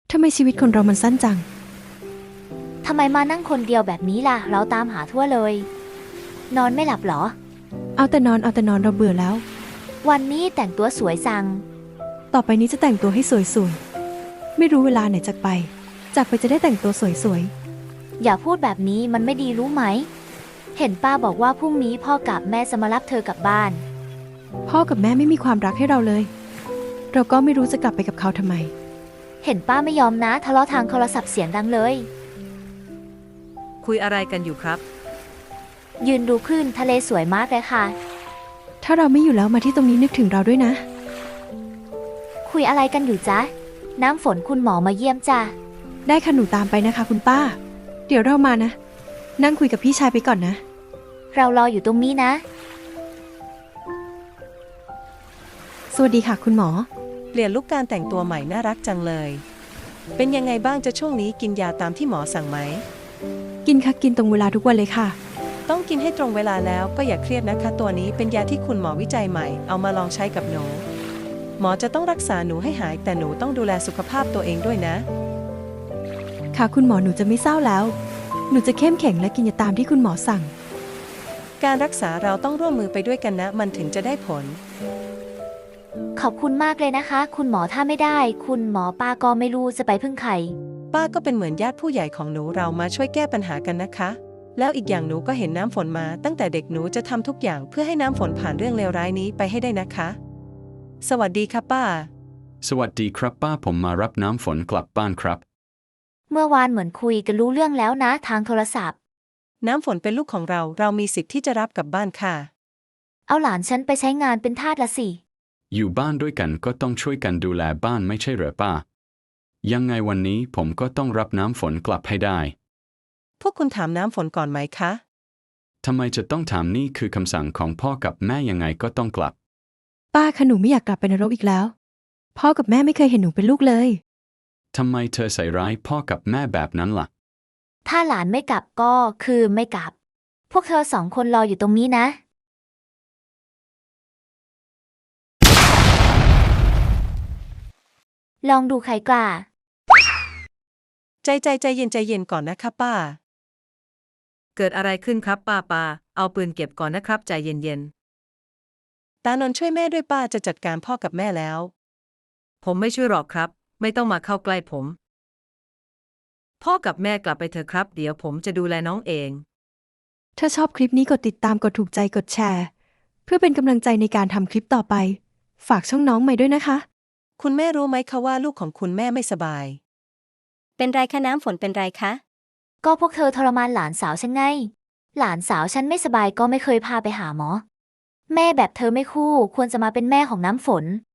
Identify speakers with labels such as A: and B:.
A: ทำไมชีวิตคนเรามันสั้นจัง
B: ทำไมมานั่งคนเดียวแบบนี้ล่ะ เราตามหาทั่วเลย นอนไม่หลับเหรอ
A: เอาแต่นอนเราเบื่อแล้ว
B: วันนี้แต่งตัวสวยจัง
A: ต่อไปนี้จะแต่งตัวให้สวยๆ ไม่รู้เวลาไหนจากไปจะได้แต่งตัวสวย
B: อย่าพูดแบบนี้มันไม่ดีรู้ไหม เห็นป้าบอกว่าพรุ่งนี้พ่อกับแม่จะมารับเธอกลับบ้าน
A: ๆ พ่อกับแม่ไม่มีความรักให้เราเลย เราก็ไม่รู้จะกลับไปกับเขาทำไม
B: เห็นป้าไม่ยอมนะทะเลาะทางโทรศัพท์เสียงดังเลย
C: คุยอะไรกันอยู่ครับ
B: ยืนดูคลื่นทะเลสวยมากเลยค่ะ
A: ถ้าเราไม่อยู่แล้วมาที่ตรงนี้นึกถึงเราด้วยนะ
B: คุยอะไรกันอยู่จ๊ะ น้ำฝนคุณหมอมาเยี่ยมจ้ะ
A: ได้ค่ะหนูตามไปนะคะคุณป้า เดี๋ยวเรามานะ นั่งคุยกับพี่ชายไปก่อนนะ
B: เรารออยู่ตรงนี้นะ
A: สวัสดีค่ะคุณหมอ
C: เปลี่ยนลุคการแต่งตัวใหม่น่ารักจังเลย เป็นยังไงบ้างจะช่วงนี้กินยาตามที่หมอสั่งไหม
A: กินค่ะกินตรงเวลาทุกวันเลยค่ะ
C: ต้องกินให้ตรงเวลาแล้วก็อย่าเครียดนะคะ ตัวนี้เป็นยาที่คุณหมอวิจัยใหม่เอามาลองใช้กับหนู หมอจะต้องรักษาหนูให้หายแต่หนูต้องดูแลสุขภาพตัวเองด้วยนะ
A: ค่ะคุณหมอหนูจะไม่เศร้าแล้ว หนูจะเข้มแข็งและกินยาตามที่คุณหมอสั่ง
C: การรักษาเราต้องร่วมมือไปด้วยกันนะ มันถึงจะได้ผล
B: ขอบคุณมากเลยนะคะ คุณหมอถ้าไม่ได้ คุณหมอป้าก็ไม่รู้จะไปพึ่งใคร
C: ป้าก็เป็นเหมือนญาติผู้ใหญ่ของหนูเรามาช่วยแก้ปัญหากันนะคะ แล้วอีกอย่างหนูก็เห็นน้ำฝนมาตั้งแต่เด็กหนูจะทำทุกอย่างเพื่อให้น้ำฝนผ่านเรื่องเลวร้ายนี้ไปให้ได้นะคะ สวัสดีค่ะป้า
D: สวัสดีครับป้าผมมารับน้ำฝนกลับบ้านครับ
B: เมื่อวานเหมือนคุยกันรู้เรื่องแล้วนะทางโทรศัพท์
C: น้ำฝนเป็นลูกของเราเรามีสิทธิ์ที่จะรับกลับบ้านค่ะ
B: เอาหลานฉันไปใช้งานเป็นทาสละสิ
D: อยู่บ้านด้วยกันก็ต้องช่วยกันดูแลบ้านไม่ใช่เหรอป้า ยังไงวันนี้ผมก็ต้องรับน้ำฝนกลับให้ได้
C: พวกคุณถามน้ำฝนก่อนไหมคะ
D: ทำไมจะต้องถามนี่คือคำสั่งของพ่อกับแม่ยังไงก็ต้องกลับ
A: ป้าคะหนูไม่อยากกลับไปนรกอีกแล้ว พ่อกับแม่ไม่เคยเห็นหนูเป็นลูกเลย
D: ทำไมเธอใส่ร้ายพ่อกับแม่แบบนั้นล่ะ
B: ถ้าหลานไม่กลับก็คือไม่กลับ พวกเธอสองคนรออยู่ตรงนี้นะ ลองดูใครกล้า
C: ใจเย็นก่อนนะคะป้า
E: เกิดอะไรขึ้นครับป้าเอาปืนเก็บก่อนนะครับใจเย็น
C: ตานนท์ช่วยแม่ด้วยป้าจะจัดการพ่อกับแม่แล้ว
E: ๆผมไม่ช่วยหรอกครับ ไม่ต้องมาเข้าใกล้ผม พ่อกับแม่กลับไปเถอะครับ เดี๋ยวผมจะดูแลน้องเอง
A: ถ้าชอบคลิปนี้กดติดตามกดถูกใจกดแชร์ เพื่อเป็นกำลังใจในการทำคลิปต่อไป ฝากช่องน้องใหม่ด้วยนะคะ
C: คุณแม่รู้ไหมคะว่าลูกของคุณแม่ไม่สบาย
F: เป็นไรคะน้ำฝนเป็นไรคะ
B: ก็พวกเธอทรมานหลานสาวฉันไง หลานสาวฉันไม่สบายก็ไม่เคยพาไปหาหมอ แม่แบบเธอไม่คู่ควรจะมาเป็นแม่ของน้ำฝน